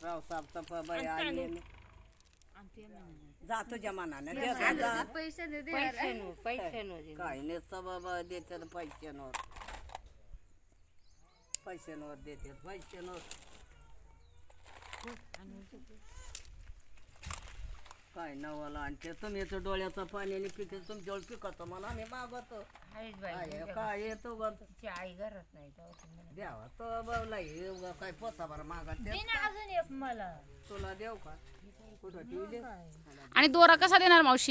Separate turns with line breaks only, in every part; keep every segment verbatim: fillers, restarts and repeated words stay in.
राव साफ बाई आली जा तुझ्या मनाने दे जा
पैसे दे दे
पैशांवर पैशांवर
काय नसतं बाबा देतात पैशांवर पैशांवर देतात पैशांवर काय नवाला आणते तुम्ही येतो डोळ्याचं पाण्याने पिके तुमच्यावर पिकवतो मला आम्ही मागवतो
आहेच बाई
काय येतो ग
तिची आई घरात नाही तेव्हा ती म्हणे,
द्यावा तो बाबला हे उगा काय पोता बरं मागत
दे ना अजून एक मला
तुला देऊ का कुठं ठेवले
आणि दोरा कसा देणार मावशी?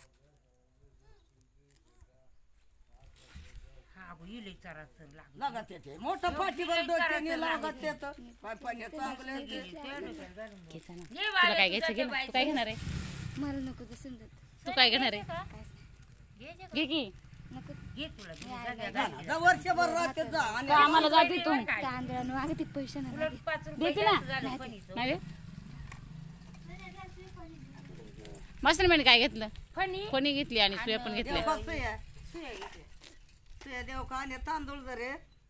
हा अगो इले चराचर लागली.
लागत येते मोठं पाठीवर डोक्याने लागत येतं काय पाणी चांगलं येते.
ये
तुला
बाळा,
काय घ्यायचं
तुझ्या
घे ना. तू काय घेणार आहे?
मला नको ते समजत
तू काय घेणार आहे?
घे जे
घे की
नको
घे तुला घे, जा, जा,
जा
जा.
ना, जा वर्षभर राहते जा आणि
का आम्हाला जाते तू
तांदळानं मागे ते पैसे नाही
उलट पाच रुपये
देते ना?
जास्त झालं फणीचं.
नाही रे? मस्त काय घेतलं?
फणी
कोणी घेतली आणि सुया पण
देव
घेतल्या.
कसं आहे तुझ्या देव का आणि तांदूळ जरे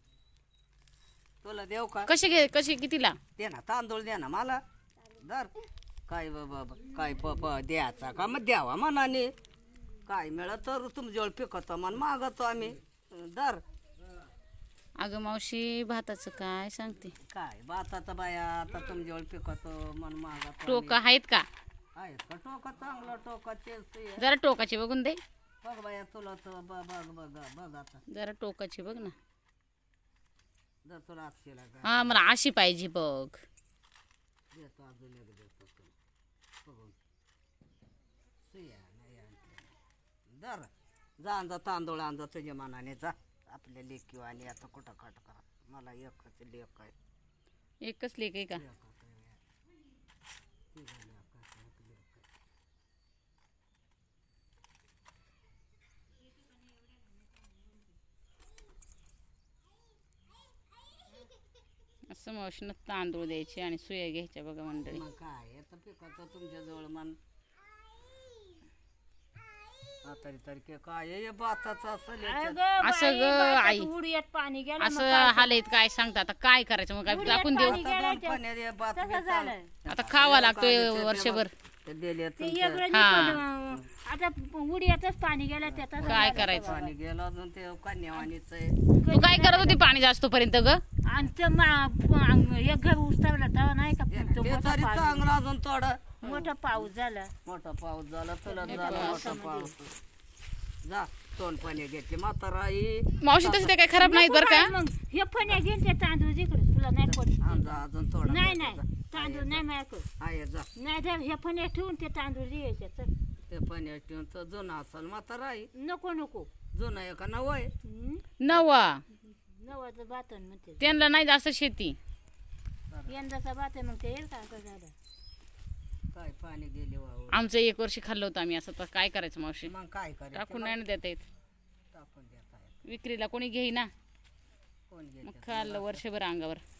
तुला देव का
कशी घे कशी कितीला?
दे ना तांदूळ दे ना मला दर काय बाबा काय बाबा द्यायचा का मग द्यावा मनाने काय मिळत तर तुमच्याजवळ पिकवतो मन मागवतो आम्ही दर
अगं मावशी भाताचं काय सांगते?
काय बाताचा बाया आता तुमच्याजवळ पिकवतो मन मागवतो
टोका आहेत का?
आहेत का टोका चांगलं टोका तेच ते आहे.
जरा टोकाची बघून दे.
बघ बाया तुला तर बघ बघ बघ बघ आता
जरा टोकाची बघ ना.
जर तुला आठशेला का
हा मला अशी पाहिजे बघ.
देतो अजून एक देतो तुला बघून सुया नाही आणते. दर जा जा तांदूळ आणजा तुझ्या मनाने जा आपल्या लेकी आणि आता कुठं खट करा मला एकच लेक आहे
एकच लेक आहे का?
लेक आहे. तिघं लेक आहे, एक लेक आहे.
असं मावशीनं तांदूळ द्यायचे आणि सुया घ्यायच्या बघा मंडळी.
मग काय आता पिकाचं तुमच्याजवळ मन आता तारखे काय आहे, हे भाताचं असं लेकरं.
अगं
असं
बाई,
ग
भाताचं
आई.
उडीयात पाणी गेलं मग
असं
काय
हालत काय सांगता आता काय करायचं मग काय टाकून देऊ?
आता दोन पाण्यात हे भात
तसं
बित
झालंय.
आता खावा लागतोय वर्षभर.
ते दिले
ते
तुमच्या
एवढं
हा.
नाही पण, आता उडीयातच पाणी गेलं त्यातच
काय करायचं?
पाणी गेलं अजून ते कन्यावाणीच आहे
तू काय करत होती पाणी जास्त पर्यंत ग?
आणि ते मा- प- एक घर उस्तावला तेव्हा नाही का तो
ते
मोठा
तरी
पाऊस
चांगलं अजून थोडं
मोठा पाऊस झाला
मोठा पाऊस झाला तुला झाला मोठा पाऊस जा तोंड पाणी घेतले म्हातारा आई
मावशी तसं ते काय खराब नाहीत बरं का?
मग हे फण्या घेऊन ते तांदूळ जिकडे तुला नाही पडत
आमचा अजून थोडा
नाही
घ्यायचा.
नाही तांदूळ नाही माझ्याकडे
आहे जा
नाही तर हे फण्या ठेवून ते तांदूळ द्यायचे चल
ते पाणी ठेवून तर जुना असेल म्हातारा आई
नको नको
जुना आहे का नवं आहे
हं?
नवा
नवाचं बातन म्हणते
त्यांना नाही जास्त शेती.
यंदाचा बात आहे मग ते येईल का असं झालं
काय पाणी गेले वाहून
आमचं एक वर्षी खाल्लं होतं आम्ही. असं तर काय करायचं मावशी?
मग काय करायचं
टाकून नाही ना देता येत.
टाकून देता येत
विक्रीला कोणी घेईना
कोण
मग
घेते
खाल्लं वर्षभर अंगावर.